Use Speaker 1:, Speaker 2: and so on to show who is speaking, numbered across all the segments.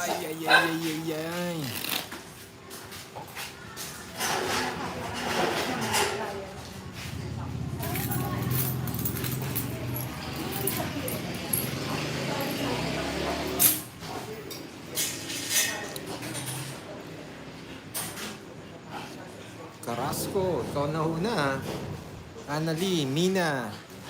Speaker 1: Ay, ay, ay, ay, ay. Carrasco, ikaw na una. Annalie, Mina.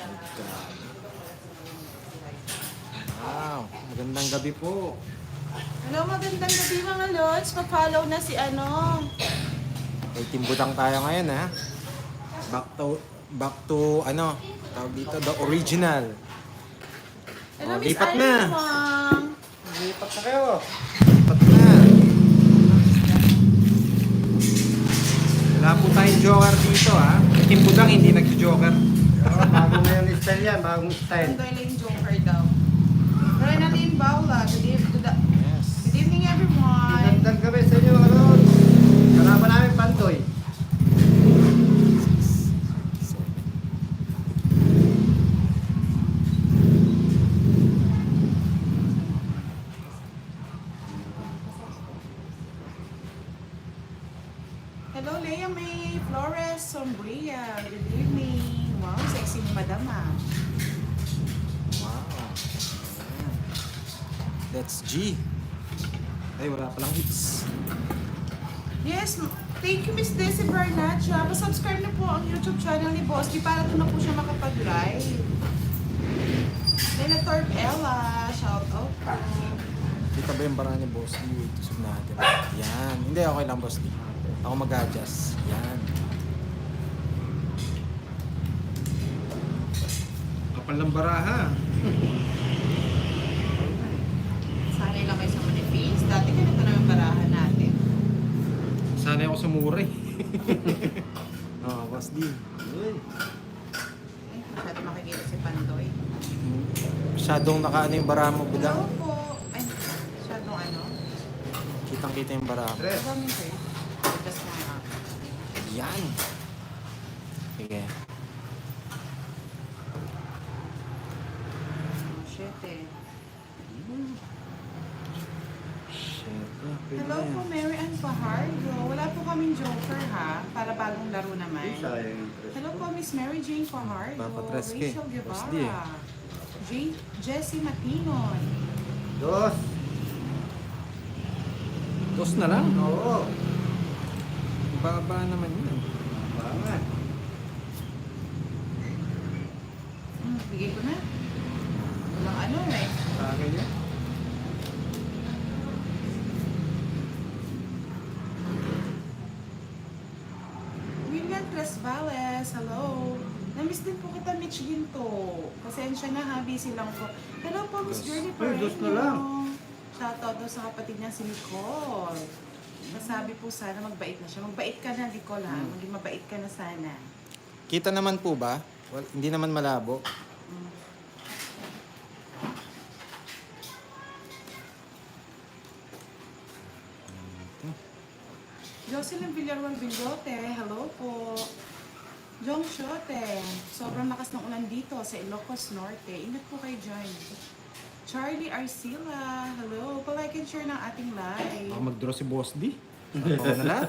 Speaker 1: Wow, magandang gabi po.
Speaker 2: Hello, magandang gabi mga lods. Pa-follow na si ano.
Speaker 1: May timbutang tayo ngayon ha. Back to ano, tawag dito, the original.
Speaker 2: Hello,
Speaker 1: Oh,
Speaker 2: Miss
Speaker 1: lipat na.
Speaker 2: Irene Wang.
Speaker 3: Lipat na kayo.
Speaker 1: Lipat na. Wala po tayong joker dito ha. May timbutang hindi nag-joker.
Speaker 3: Bago na yung style yan, bagong style.
Speaker 2: Ang lang joker daw. Renaline Baula.
Speaker 1: Yes.
Speaker 2: Good evening everyone.
Speaker 3: Magandang gabi sa inyo, ano? Kalaban namin Pantoy.
Speaker 2: Hello, Leia May Flores Sombria. Good evening. Wow, sexy ni Madam ah.
Speaker 1: Wow. That's G. Ay, wala palang hits.
Speaker 2: Yes, thank you Miss Desi Barnacha. Pa-subscribe na po ang YouTube channel ni Boss Di para doon na po siya makapag-live. Nila Torp Ella, shout out po.
Speaker 1: Kita ba yung bara ni Boss D? Wait, tusog natin. Yan. Hindi, okay lang Boss D. Ako mag-adjust. Yan. Kapal ng baraha.
Speaker 2: Sanay lang kayo sa manifest. Dati ganito na yung barahan natin.
Speaker 1: Sanay ako sa mura eh. Oo, Boss D.
Speaker 3: Uy,
Speaker 2: Ay, masyado makikita si Pandoy.
Speaker 1: Masyadong nakaano yung baraha mo,
Speaker 2: Hello
Speaker 1: Budang.
Speaker 2: po. Ay, masyadong ano.
Speaker 1: Kitang-kita yung baraha mo.
Speaker 3: Tres.
Speaker 2: Maraming kayo. Just mga.
Speaker 1: Yan. Sige.
Speaker 2: Oh, shit eh.
Speaker 1: Shit. Pwede
Speaker 2: Hello
Speaker 1: na
Speaker 2: po,
Speaker 1: yan.
Speaker 2: Mary Ann Fajardo. Wala po kaming joker ha. Para bagong laro naman.
Speaker 3: sayang yung tres.
Speaker 2: Hello po, Miss Mary Jane Fajardo.
Speaker 1: Papatres ka eh.
Speaker 2: Rachel
Speaker 1: Boss D eh.
Speaker 2: Guevara. Jessie Matinon.
Speaker 3: Dos.
Speaker 1: Dos na lang.
Speaker 3: Oo.
Speaker 1: Baba naman yun.
Speaker 3: Bangat.
Speaker 2: Bigay ko na. Walang ano eh.
Speaker 3: Sa akin yan.
Speaker 2: William Tresvales, hello. Namiss din po kita, Mitch Ginto. Pasensya na ha, busy lang po. Hello po, Miss
Speaker 1: Dos.
Speaker 2: Journey
Speaker 3: Ay, dos na lang.
Speaker 2: Shoutout daw sa kapatid niya si Nicole. Masabi po sana magbait na siya. Magbait ka na, Nicole ha. Maging mabait ka na sana.
Speaker 1: Kita naman po ba? Well, hindi naman malabo.
Speaker 2: Jocelyn Villarreal Villote, hello po. Jong Shote, sobrang lakas ng ulan dito sa Ilocos Norte. Ingat po kayo dyan. Charlie Arcila, hello. Pa-like and share ng ating live.
Speaker 1: Baka mag-draw si Boss D. Ako na lahat.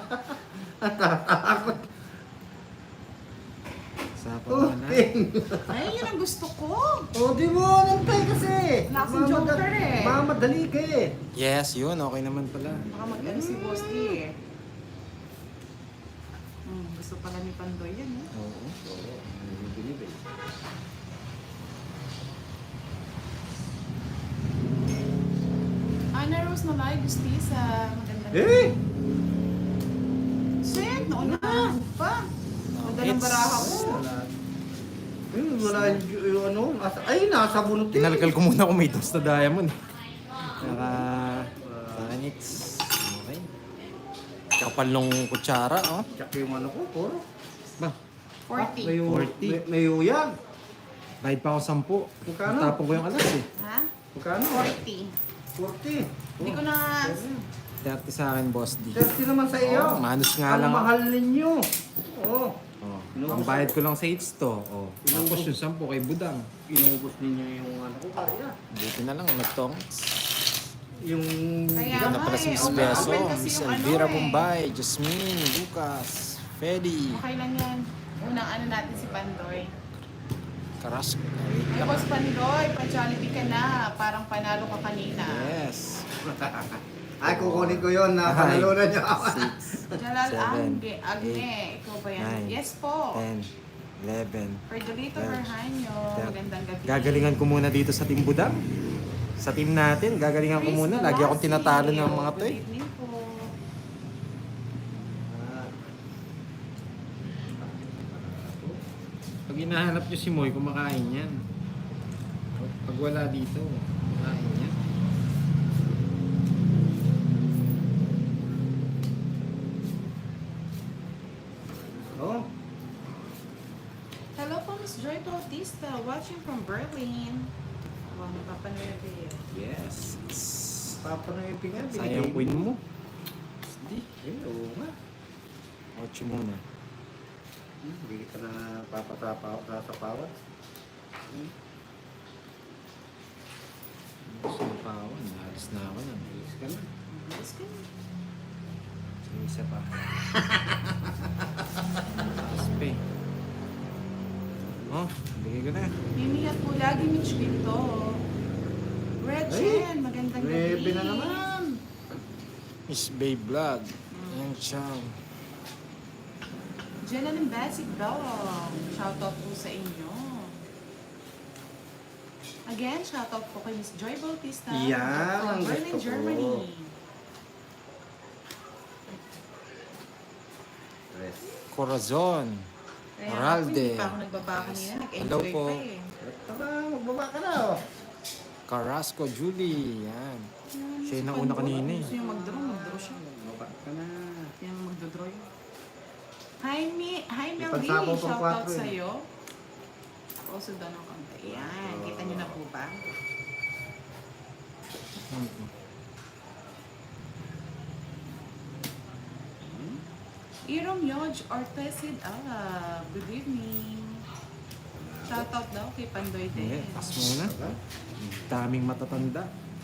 Speaker 1: Sapa mo na.
Speaker 3: Puting.
Speaker 2: Ay, yun ang gusto ko.
Speaker 3: O, di mo, nantay kasi.
Speaker 2: Wala kasing joker eh.
Speaker 3: Mamadali ka eh.
Speaker 1: Yes, yun. Okay naman pala.
Speaker 2: Baka mag-ano si Boss D eh. Gusto pala ni Pandoy yan eh.
Speaker 1: Oo.
Speaker 2: Ana Rose na live, Gustisa. Magandang
Speaker 3: Eh!
Speaker 2: Shit, nauna pa. Ganda ng
Speaker 1: It's-
Speaker 2: baraha ko.
Speaker 3: Wala. Wala yung ano. Ay, nasa bunot eh.
Speaker 1: Tinalkal ko muna kung may dos na diamond. Naka... Tanits. Okay. Kapal nung kutsara, oh.
Speaker 3: Tsaka yung ano ko, puro.
Speaker 1: Ba,
Speaker 2: 40.
Speaker 3: May,
Speaker 1: 40.
Speaker 3: may uyag.
Speaker 1: bayad pa ako 10.
Speaker 3: Magkano?
Speaker 1: Tapon ko yung alas eh.
Speaker 2: Ha?
Speaker 3: Magkano?
Speaker 2: 40.
Speaker 3: 40.
Speaker 2: Hindi ko na...
Speaker 1: 30 sa akin, Boss D.
Speaker 3: 30 naman sa iyo.
Speaker 1: Oh, manus nga
Speaker 3: Ang
Speaker 1: lang.
Speaker 3: mahal ninyo. Oh.
Speaker 1: Oh.
Speaker 3: Inubos
Speaker 1: Ang bayad ko lang sa hits to. Oh. Tapos
Speaker 3: Inubos.
Speaker 1: yung 10 kay Budang.
Speaker 3: Inubos ninyo yung ano ko kaya.
Speaker 1: Buti na lang, nagtongs.
Speaker 3: yung...
Speaker 2: Kaya
Speaker 1: Bigyan na
Speaker 2: nga
Speaker 1: pala si
Speaker 2: eh,
Speaker 1: Miss
Speaker 2: open
Speaker 1: Beso,
Speaker 2: kasi
Speaker 1: Miss
Speaker 2: yung ano
Speaker 1: Elvira
Speaker 2: eh.
Speaker 1: Bombay, Jasmine, Lucas, Fedi,
Speaker 2: Okay lang yan. Unang ano natin si Pandoy.
Speaker 1: Carrasco.
Speaker 2: Ay, Boss Pandoy, pa-Jollibee ka na. Parang panalo ka kanina.
Speaker 1: Yes.
Speaker 3: Ay, kukunin ko yun na panalunan niyo.
Speaker 1: 6,
Speaker 2: Jalal
Speaker 1: 7,
Speaker 2: Agne, ikaw ba yan?
Speaker 1: 9,
Speaker 2: Yes po.
Speaker 1: 10, 11.
Speaker 2: Perdolito
Speaker 1: 12,
Speaker 2: Berhanyo, magandang gabi.
Speaker 1: Gagalingan ko muna dito sa Team Budang. Sa team natin, gagalingan ko
Speaker 2: Chris
Speaker 1: muna. Lagi akong
Speaker 2: Galassi,
Speaker 1: tinatalo ng mga to
Speaker 2: good
Speaker 1: eh.
Speaker 2: evening po.
Speaker 1: Pag hinahanap nyo si Moy, kumakain yan. Pag wala dito, kumakain yan.
Speaker 3: Oh,
Speaker 2: Hello po, Miss Joy Bautista, watching from Berlin. Wow, napapanood eh.
Speaker 1: Yes.
Speaker 3: papa na yung pingan.
Speaker 1: Sayang queen mo. Di.
Speaker 3: Eh, oo nga.
Speaker 1: 8 muna.
Speaker 3: Hindi ka na sasapawan.
Speaker 1: Gusto mo pa ako. Naalis na ako na.
Speaker 3: Bilis ka na.
Speaker 2: Yes, ka.
Speaker 1: Sige, isa pa. Aspe. Oh, bigay ko na.
Speaker 2: Mimihat po lagi, Mitch Pinto. Gretchen, magandang gabi.
Speaker 3: 9 na naman.
Speaker 1: Miss Bay Vlog. Yang Chang.
Speaker 2: Jenna ng Basic Dog. Shoutout po sa inyo. Again, shoutout po kay Miss Joy Bautista.
Speaker 3: Yan,
Speaker 2: from
Speaker 3: ang
Speaker 2: Berlin,
Speaker 3: gusto ko.
Speaker 2: Germany.
Speaker 3: Tres.
Speaker 1: Corazon.
Speaker 2: Kaya
Speaker 1: Moralde.
Speaker 2: ako, hindi pa ako nagbaba kanina.
Speaker 1: Hello
Speaker 2: Nag-enjoy
Speaker 1: po.
Speaker 2: pa eh.
Speaker 3: Tara, magbaba ka na. Oh.
Speaker 1: Carrasco Julie. Yan.
Speaker 2: Yan,
Speaker 1: Siya yung
Speaker 2: si
Speaker 1: nauna
Speaker 2: Pandora,
Speaker 1: kanina eh.
Speaker 2: Gusto niya mag-draw siya.
Speaker 3: Magbaba ka na.
Speaker 2: Yan ang magdodraw yun. Hi, Melly.
Speaker 3: Ipagsabaw pang
Speaker 2: Shoutout
Speaker 3: 4 eh.
Speaker 2: sa'yo. Also doon ang konti. Yan. Kita niyo na po ba? Irom Yoj Ortesid good evening. Shoutout daw kay Pandoy
Speaker 1: Hindi,
Speaker 2: din.
Speaker 1: pas muna. Daming matatanda.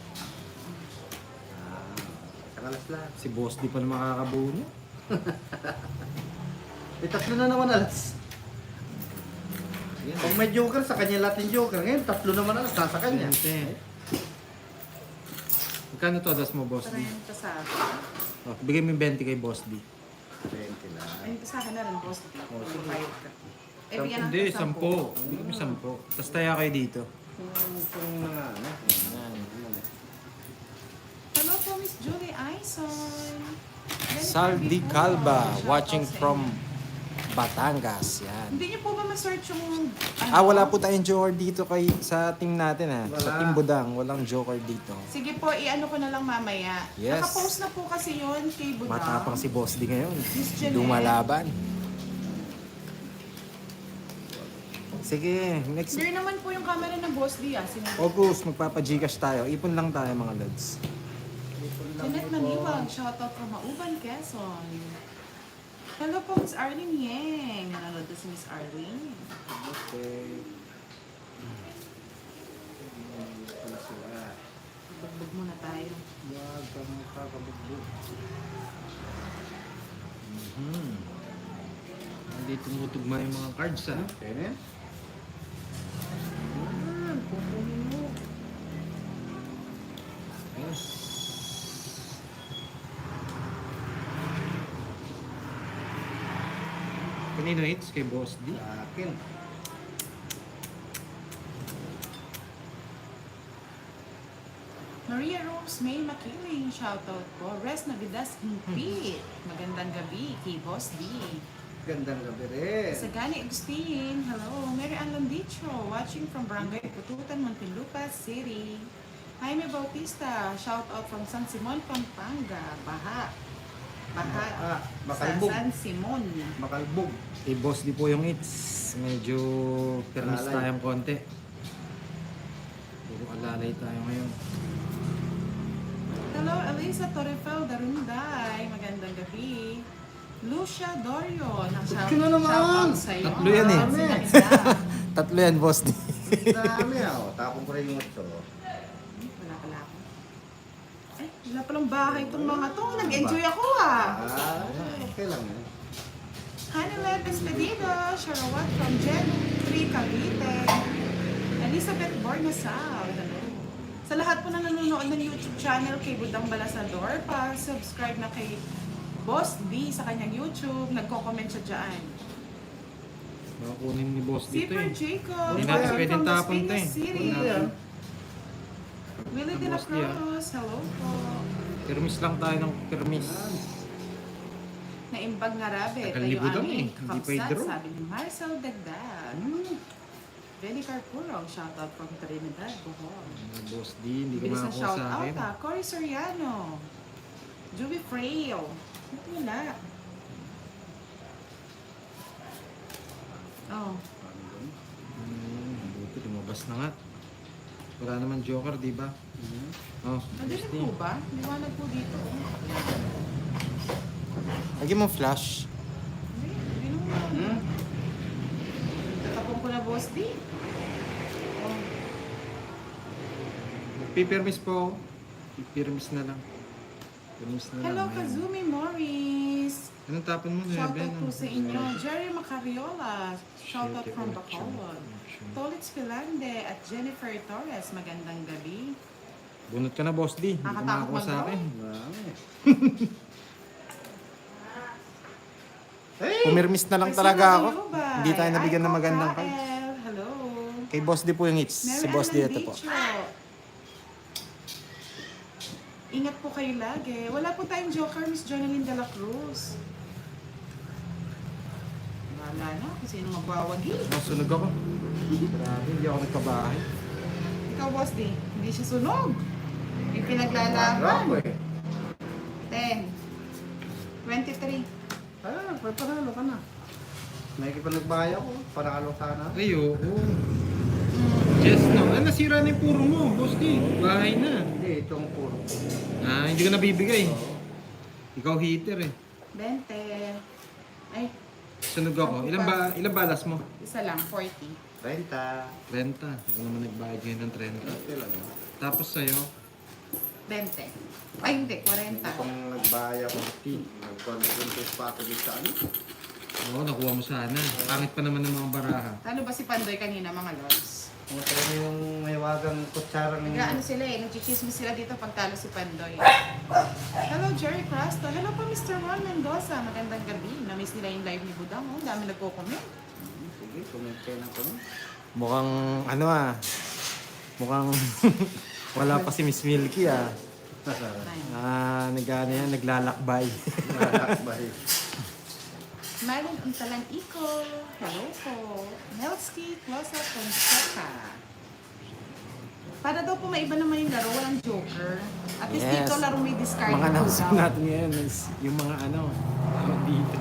Speaker 3: Sakalas lang.
Speaker 1: Si Boss di pa na makakabuo niya.
Speaker 3: Eh, 3 na naman alas.
Speaker 1: Yan.
Speaker 3: Pag may joker, sa kanya lahat yung joker. Ngayon, 3 naman alas, nasa kanya.
Speaker 1: 20. Magkano to adas mo, Boss D?
Speaker 2: 30 sa akin.
Speaker 1: Oh, bigay mo yung 20 kay Boss D.
Speaker 3: 20 lang.
Speaker 2: Ayun sa akin na rin, boss. Bayad ka. Eh, bigyan
Speaker 1: Hindi,
Speaker 2: natin
Speaker 1: 10. Bigay mo 10. Tapos tayo kayo dito.
Speaker 3: Kung mga ano.
Speaker 1: Yan.
Speaker 2: Hello po, Miss Julie Aison.
Speaker 1: Saldi Calva, watching from Batangas. Yan.
Speaker 2: Hindi niyo po ba ma-search yung...
Speaker 1: Wala po tayong joker dito kay sa team natin ha. Sa
Speaker 3: Wala.
Speaker 1: team Budang, walang joker dito.
Speaker 2: Sige po, i-ano ko na lang mamaya.
Speaker 1: Yes.
Speaker 2: Nakapost na po kasi yun kay Budang.
Speaker 1: Matapang si Boss D ngayon.
Speaker 2: Miss Jeanette.
Speaker 1: Lumalaban. Sige, next.
Speaker 2: Clear naman po yung camera ng Boss D ah.
Speaker 1: August, magpapa-Gcash tayo. Ipon lang tayo mga lods.
Speaker 2: Jeanette Maniwag, shoutout from Mauban, Quezon. Hello po, Miss Arlene Yang. Nanonood na si Miss Arlene.
Speaker 1: Okay.
Speaker 2: Bugbog muna tayo.
Speaker 3: Wag kang makakabugbog.
Speaker 1: Hindi tumutugma yung mga cards ha.
Speaker 3: Kaya na yan? Yan, kukunin mo.
Speaker 1: Yes. Kanino hits? Kay Boss D?
Speaker 3: Sa akin.
Speaker 2: Maria Rose May Makiling, shoutout po. Res Navidas Impit. Magandang gabi kay Boss D.
Speaker 3: Gandang gabi rin.
Speaker 2: Sagani Agustin, hello. Mary Ann Landicho, watching from Barangay Pututan, Muntinlupa City. Jaime Bautista, shoutout from San Simon, Pampanga. Baha. Baha.
Speaker 3: Makalbog.
Speaker 2: Sa San Simon.
Speaker 3: Makalbog.
Speaker 1: Kay Boss D po yung hits. Medyo permis
Speaker 3: Alalay.
Speaker 1: tayong konti. Puro alalay tayo ngayon.
Speaker 2: Hello, Elisa Torrefel Darunday. Magandang gabi. Lucia Dorio,
Speaker 3: Sino naman?
Speaker 2: sa'yo.
Speaker 1: Tatlo yan eh.
Speaker 2: Ang ganda.
Speaker 1: Tatlo yan, Boss D.
Speaker 3: Dami ah. Tapong ko rin yung ito.
Speaker 2: Wala pala ako. Ay, wala palang bahay itong mga to. Nag-enjoy ako ah.
Speaker 3: Okay lang yan.
Speaker 2: Hannibal Despedido, Sharawat from Jen 3 Cavite, Elizabeth Bornasal, hello. Sa lahat po na nanonood ng YouTube channel kay Budang Balasador, pa-subscribe na kay Boss B sa kanyang YouTube, nagko-comment siya dyan.
Speaker 1: Kunin ni boss dito
Speaker 2: Zipper
Speaker 1: eh.
Speaker 2: Jacob,
Speaker 1: Hindi natin
Speaker 2: from
Speaker 1: pwedeng
Speaker 2: Las
Speaker 1: tapon to
Speaker 2: Piñas
Speaker 1: eh.
Speaker 2: City.
Speaker 3: Ano yan?
Speaker 2: Willie de la
Speaker 1: Boss D, ah.
Speaker 2: Cruz, hello po.
Speaker 1: Permis lang tayo ng permis.
Speaker 2: Naimbag nga rabe,
Speaker 1: Tagal
Speaker 2: tayo
Speaker 1: libo daw
Speaker 2: ani,
Speaker 1: eh, hindi pa
Speaker 2: kapsat,
Speaker 1: i-draw.
Speaker 2: sabi ni Marcel Dagdag. Benny Carpurong, shoutout from Trinidad, Bohol.
Speaker 1: Boss D, hindi ka
Speaker 2: Bilis ng
Speaker 1: makakuha
Speaker 2: shout
Speaker 1: sa akin.
Speaker 2: out ha. Cory Soriano. Juby Frail. Ba't wala? Oh.
Speaker 1: Buti, lumabas na nga. Wala naman joker, di ba? Oh,
Speaker 2: Nandito po ba? Liwanag po dito.
Speaker 1: lagyan mo flash.
Speaker 2: Hindi, hindi naman. Tatapong ko na boss D. Oh.
Speaker 1: Pipermis po. Pipermis na lang. Permis na
Speaker 2: Hello,
Speaker 1: lang. Ayan.
Speaker 2: Kazumi Morris.
Speaker 1: Anong tapon mo na?
Speaker 2: Shoutout po sa inyo. Jerry Macariola. Shoutout from Bacolod. Tolitz Pilande at Jennifer Torres. Magandang gabi.
Speaker 1: Bunot ka na, Boss D. Hindi ka
Speaker 2: Nakatakot
Speaker 1: makakuha sa
Speaker 2: mag-draw?
Speaker 1: akin.
Speaker 3: Hey!
Speaker 1: Pumirmis na lang
Speaker 2: Persona
Speaker 1: talaga ako.
Speaker 2: Bayubay.
Speaker 1: Hindi tayo nabigyan ng
Speaker 2: Aiko
Speaker 1: magandang
Speaker 2: Kael.
Speaker 1: cards.
Speaker 2: Hello.
Speaker 1: Kay Boss D po yung hits. Si Boss D ito po.
Speaker 2: Ingat po kayo lagi. Wala po tayong joker, Miss Jonalyn de la Cruz. Wala na kung sino magbawagi.
Speaker 1: Oh, sunog ako. Grabe, hindi ako nagkabahay.
Speaker 2: Ikaw, Boss D, hindi siya sunog. Yung
Speaker 3: Grabe
Speaker 2: pinaglalaban.
Speaker 3: eh.
Speaker 2: 10. 23.
Speaker 3: May panalo ka na. May kipanagbaya ko. Panalo sana.
Speaker 1: Ay, oo. Yes, no. Ah, nasira na yung puro mo, Boss D. Bahay na.
Speaker 3: Hindi, itong puro.
Speaker 1: Ah, hindi ko nabibigay. Ikaw heater eh.
Speaker 2: 20. Ay,
Speaker 1: Sunog ako. Ilang balas mo?
Speaker 2: isa lang, 40.
Speaker 3: 30.
Speaker 1: 30. Hindi ko naman nagbayad ngayon ng 30.
Speaker 3: Okay lang yun.
Speaker 1: Tapos sa'yo,
Speaker 2: 20. Ay, hindi, 40.
Speaker 3: Hindi kong nagbaya ko. Nagpag-contest pa ako dito sa ano.
Speaker 1: oo, nakuha mo sana. Pangit pa naman ng mga baraha.
Speaker 2: Talo ba si Pandoy kanina, mga lods?
Speaker 3: Kung tayo na yung may wagang kutsara ng...
Speaker 2: Nag-ano sila eh, nagchichismis sila dito pag talo si Pandoy. Hello, Jerry Crasto. Hello po, Mr. Ron Mendoza. Magandang gabi. Na-miss nila yung live ni Budang. Oh, dami nagko-comment.
Speaker 3: Sige, comment kayo ng comment.
Speaker 1: Mukhang, ano ah, mukhang wala pa si Miss Milky ah. Ah, nag-ano yan, naglalakbay.
Speaker 3: Nakakbay.
Speaker 2: Marlon Untalan Iko. Hello po. Melski Closa Fonseca. Para daw po maiba naman yung laro, walang joker. At least
Speaker 1: Yes.
Speaker 2: dito laro may discard
Speaker 1: Mga
Speaker 2: po
Speaker 1: announcement
Speaker 2: daw.
Speaker 1: natin ngayon is yung mga ano dito.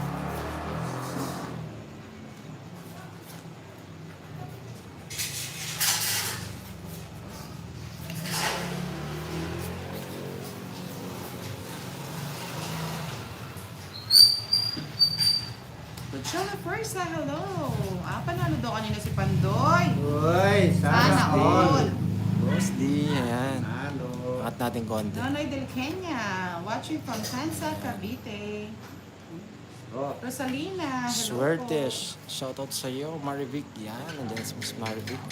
Speaker 2: Luciana Persa, hello. Panalo daw kanina si Pandoy.
Speaker 3: Uy,
Speaker 2: Sana all.
Speaker 1: Boss D, ayan.
Speaker 3: Halo.
Speaker 1: Angat natin konti.
Speaker 2: Nonoy Del Kenya, watching from Sansa, Cavite.
Speaker 3: Oh,
Speaker 2: Rosalina, hello
Speaker 1: Swertish. Shoutout sa iyo, Marivic. Yan, nandiyan si Miss Marivic.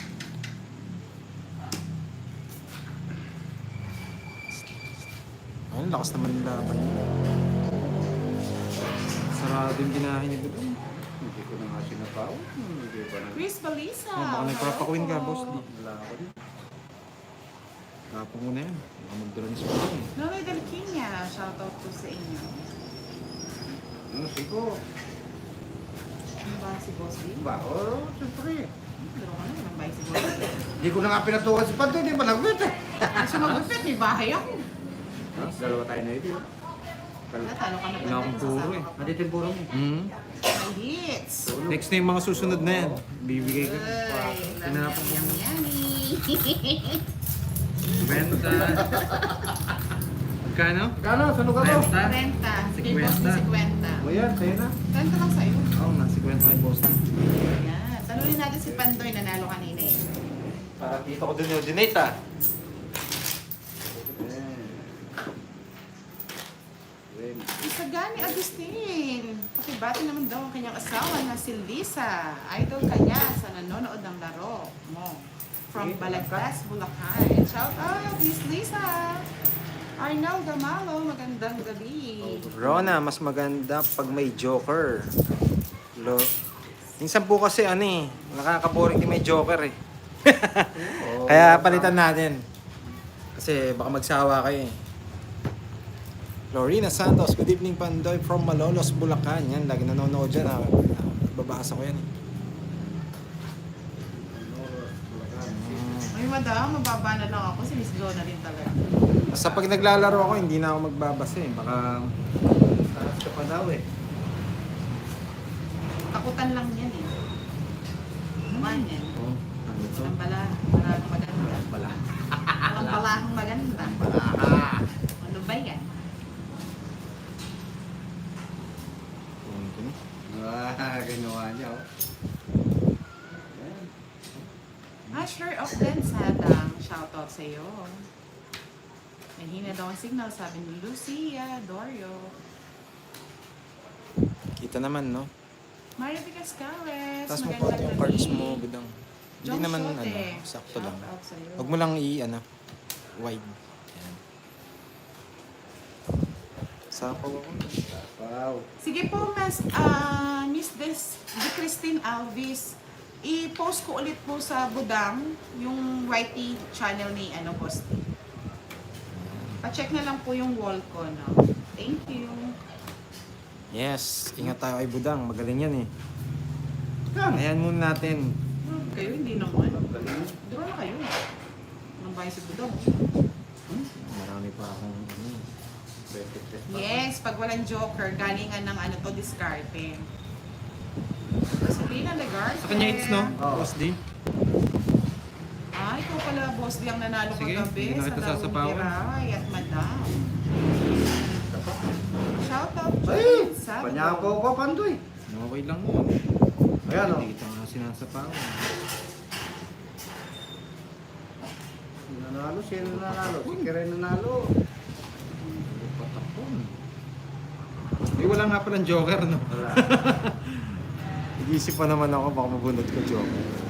Speaker 1: Ayun, lakas naman yung laban niya. Sarado yung binahin niya dito.
Speaker 3: hindi ko na nga sinapaw. Hindi pa
Speaker 2: po.
Speaker 3: na...
Speaker 2: Chris Balisa.
Speaker 1: Oh, baka nagpapakuin ka,
Speaker 2: hello
Speaker 1: Boss
Speaker 2: po.
Speaker 1: D.
Speaker 3: Wala ako din.
Speaker 1: Tapos mo na yan. Baka magdala ni Sport.
Speaker 2: Nonoy Del Kenya, shoutout po sa inyo.
Speaker 3: Ano, siguro.
Speaker 2: Ano ba si Boss D?
Speaker 3: Ba? Oh, siyempre.
Speaker 2: Pero ano, walang bahay si Boss D.
Speaker 3: Hindi ko na nga pinatukan si Panto, hindi pa nag-wait eh.
Speaker 2: Kasi magupit, may bahay ako.
Speaker 3: Dalawa tayo na ito.
Speaker 2: Wala, talo ka na
Speaker 1: Wala akong
Speaker 2: Pandoy,
Speaker 1: puro
Speaker 2: masasama
Speaker 1: eh.
Speaker 2: ka pa.
Speaker 3: Nandito yung puro mo.
Speaker 2: My hits.
Speaker 1: Next na yung mga susunod na yan. Bibigay ko.
Speaker 2: Ay,
Speaker 1: Tinapon ko.
Speaker 2: yummy, yummy.
Speaker 1: Benta. Magkano?
Speaker 3: Kano, sano ka mo?
Speaker 1: Benta.
Speaker 2: Renta. Sige, Boss D, 50.
Speaker 3: O yan, sa'yo na.
Speaker 2: Renta lang sa'yo.
Speaker 1: Oo, nasi kwento kay Boss D.
Speaker 2: Ayan. Talunin natin si Pandoy, nanalo kanina eh.
Speaker 1: Para kita ko din yung dinate ah.
Speaker 2: Isagani Agustin. Pakibati naman daw ang kanyang asawa na si Lisa. Idol kanya sa nanonood ng laro mo. From Balagtas, Bulacan. Shout out, Miss Lisa. Arnel Gamalo, magandang gabi.
Speaker 1: Rona, mas maganda pag may joker. Minsan po kasi nakaka-boring din may joker eh. Kaya palitan natin. Kasi baka magsawa kayo eh. Lorena Santos, good evening Pandoy from Malolos, Bulacan. Yan, lagi nanonood dyan. Babasa ko yan eh.
Speaker 2: Ay, madam, mababa na lang ako. Si Miss Donna rin talaga.
Speaker 1: Basta pag naglalaro ako, hindi na ako magbabasa eh. Baka
Speaker 3: Taas ka pa daw eh.
Speaker 2: Takutan lang yan eh. Naman yan.
Speaker 3: Ano to?
Speaker 2: Ang balahang maganda.
Speaker 3: Pala.
Speaker 2: Ang balahang maganda.
Speaker 3: Pala.
Speaker 2: Ano ba yan?
Speaker 3: Ginawa niya oh.
Speaker 2: Asher of Densadang, shoutout sa iyo. Mahina daw ang signal, sabi ni Lucia Dorio.
Speaker 1: kita naman, no?
Speaker 2: Mario Cascares,
Speaker 1: Tapos mo po yung cards mo, budang. Hindi
Speaker 2: John
Speaker 1: naman,
Speaker 2: Sote,
Speaker 1: sakto lang.
Speaker 2: shoutout sa iyo.
Speaker 1: Huwag mo lang wide. Yan. Sapaw ako.
Speaker 3: Wow.
Speaker 2: Sige po, Miss De Christine Alvis, i-post ko ulit po sa Budang yung YT channel ni Boss T. Pa-check na lang po yung wall ko, no? Thank you.
Speaker 1: Yes, ingat tayo kay Budang. Magaling yan eh.
Speaker 3: Kam.
Speaker 1: Ayan muna natin.
Speaker 2: Kayo hindi naman.
Speaker 3: Galing.
Speaker 2: Draw na kayo. Anong bahay si Budang?
Speaker 1: Marami pa akong
Speaker 2: Yes, pag walang joker, galingan ng discarte. Sabrina Legarte.
Speaker 1: Sa kanya it's no?
Speaker 3: Oo.
Speaker 1: Boss D.
Speaker 2: Ikaw pala, Boss Di, ang nanalo
Speaker 1: Sige,
Speaker 2: kagabi
Speaker 1: hindi na
Speaker 2: sa
Speaker 1: kita
Speaker 2: Lawong
Speaker 1: sasapawan.
Speaker 2: Piray at Madam. Shoutout
Speaker 3: Ay!
Speaker 2: Joy Sabado.
Speaker 3: Panyapo ko, Pandoy.
Speaker 1: Okay lang yun.
Speaker 3: Ayan oh.
Speaker 1: Hindi kita nga sinasapawan.
Speaker 3: Nanalo, sino nanalo? Si Karen nanalo.
Speaker 1: Patapon. Eh, wala nga palang joker, no?
Speaker 3: Wala.
Speaker 1: Nag-iisip pa naman ako, baka mabunod ko joker.